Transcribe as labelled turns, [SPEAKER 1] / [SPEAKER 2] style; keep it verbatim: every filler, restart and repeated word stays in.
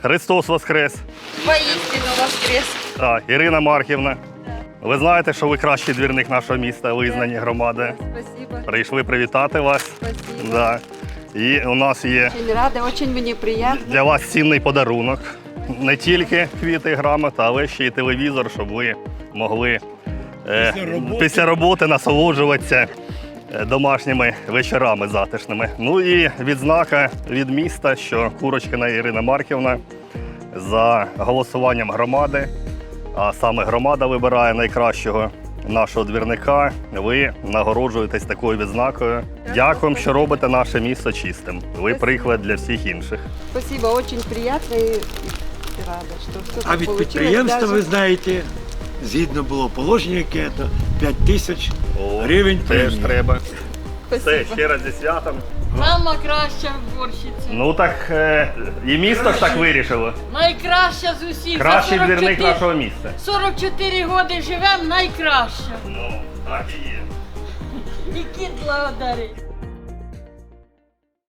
[SPEAKER 1] Христос Воскрес!
[SPEAKER 2] Воістину воскрес!
[SPEAKER 1] Так, Ірина Марківна. Ви знаєте, що ви кращий двірник нашого міста, визнані громади.
[SPEAKER 2] Спасибо.
[SPEAKER 1] Прийшли привітати вас.
[SPEAKER 2] Спасибо.
[SPEAKER 1] Да. І у нас є
[SPEAKER 2] Очень рада, очень мені приємно.
[SPEAKER 1] для вас цінний подарунок. Не тільки квіти і грамота, але ще й телевізор, щоб ви могли е,
[SPEAKER 3] Після роботи.
[SPEAKER 1] після роботи насолоджуватися е, домашніми вечорами затишними. Ну і відзнака від міста, що Курочкіна Ірина Марківна за голосуванням громади, а саме громада вибирає найкращого нашого двірника, ви нагороджуєтесь такою відзнакою. Дякуємо, що робите наше місто чистим. Ви приклад для всіх інших.
[SPEAKER 2] Спасибо, очень приємно і рада, що все
[SPEAKER 3] А
[SPEAKER 2] так
[SPEAKER 3] від
[SPEAKER 2] получилось.
[SPEAKER 3] підприємства,
[SPEAKER 2] Даже-
[SPEAKER 3] ви знаєте, згідно було положення, яке то п'ять тисяч гривень
[SPEAKER 1] Теж
[SPEAKER 3] премії.
[SPEAKER 1] треба. Все,
[SPEAKER 2] Спасибо.
[SPEAKER 1] ще раз зі святом.
[SPEAKER 4] Сама краща вборщиця.
[SPEAKER 1] Ну так е, і місто ж так вирішило.
[SPEAKER 4] Найкраща з усіх. За
[SPEAKER 1] Кращий
[SPEAKER 4] сорок
[SPEAKER 1] двірник
[SPEAKER 4] чотири
[SPEAKER 1] нашого міста.
[SPEAKER 4] сорок чотири роки живемо, найкраща.
[SPEAKER 1] Ну, так і є.
[SPEAKER 4] І кіт благодарить.